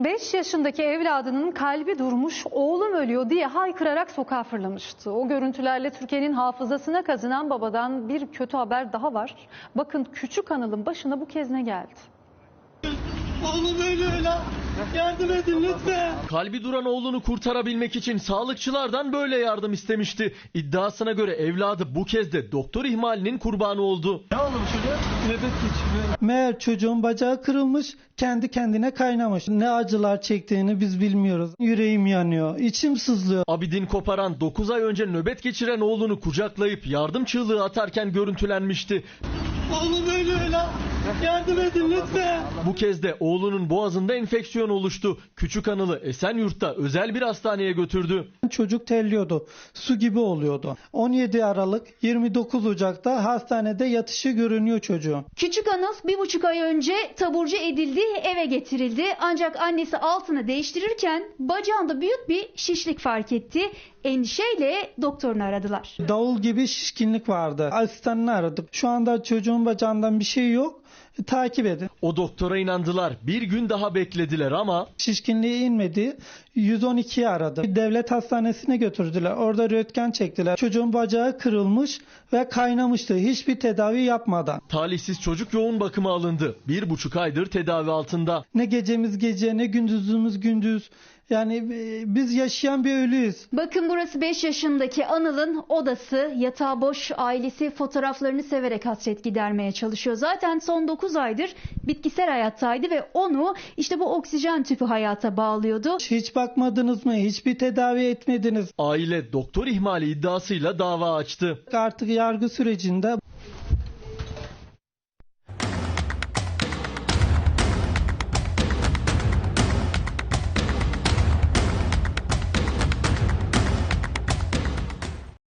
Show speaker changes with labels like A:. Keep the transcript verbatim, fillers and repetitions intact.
A: beş yaşındaki evladının kalbi durmuş, oğlum ölüyor diye haykırarak sokağa fırlamıştı. O görüntülerle Türkiye'nin hafızasına kazınan babadan bir kötü haber daha var. Bakın küçük Anıl'ın başına bu kez ne geldi?
B: Oğlum ölüyor lan. Yardım edin lütfen.
C: Kalbi duran oğlunu kurtarabilmek için sağlıkçılardan böyle yardım istemişti. İddiasına göre evladı bu kez de doktor ihmalinin kurbanı oldu.
B: Ne oldu bu çocuğa? Nöbet geçiriyor.
D: Meğer çocuğun bacağı kırılmış, kendi kendine kaynamış. Ne acılar çektiğini biz bilmiyoruz. Yüreğim yanıyor, içim sızlıyor.
C: Abidin koparan dokuz ay önce nöbet geçiren oğlunu kucaklayıp yardım çığlığı atarken görüntülenmişti.
B: Oğlum ölüyor lan. Yardım edin lütfen.
C: Bu kez de oğlunun boğazında enfeksiyon oluştu. Küçük Anıl'ı Esenyurt'ta özel bir hastaneye götürdü.
D: Çocuk terliyordu, su gibi oluyordu. on yedi Aralık yirmi dokuz Ocak'ta hastanede yatışı görünüyor çocuğun.
E: Küçük Anıl bir buçuk ay önce taburcu edildi, eve getirildi. Ancak annesi altını değiştirirken bacağında büyük bir şişlik fark etti. Endişeyle doktorunu aradılar.
D: Davul gibi şişkinlik vardı. Asistanını aradık. Şu anda çocuğun bacağından bir şey yok. Takip edin.
C: O doktora inandılar. Bir gün daha beklediler ama
D: Şişkinliği inmedi. yüz on ikiyi aradı. Devlet hastanesine götürdüler. Orada röntgen çektiler. Çocuğun bacağı kırılmış ve kaynamıştı. Hiçbir tedavi yapmadan.
C: talihsiz çocuk yoğun bakıma alındı. Bir buçuk aydır tedavi altında.
D: Ne gecemiz gece ne gündüzümüz gündüz. Yani e, biz yaşayan bir ölüyüz.
E: Bakın burası beş yaşındaki Anıl'ın odası. Yatağı boş, ailesi fotoğraflarını severek hasret gidermeye çalışıyor. Zaten son dokuz aydır bitkisel hayattaydı ve onu işte bu oksijen tüpü hayata bağlıyordu.
D: Hiç bakmadınız mı? Hiçbir tedavi etmediniz.
C: Aile doktor ihmali iddiasıyla dava açtı.
D: Artık yargı sürecinde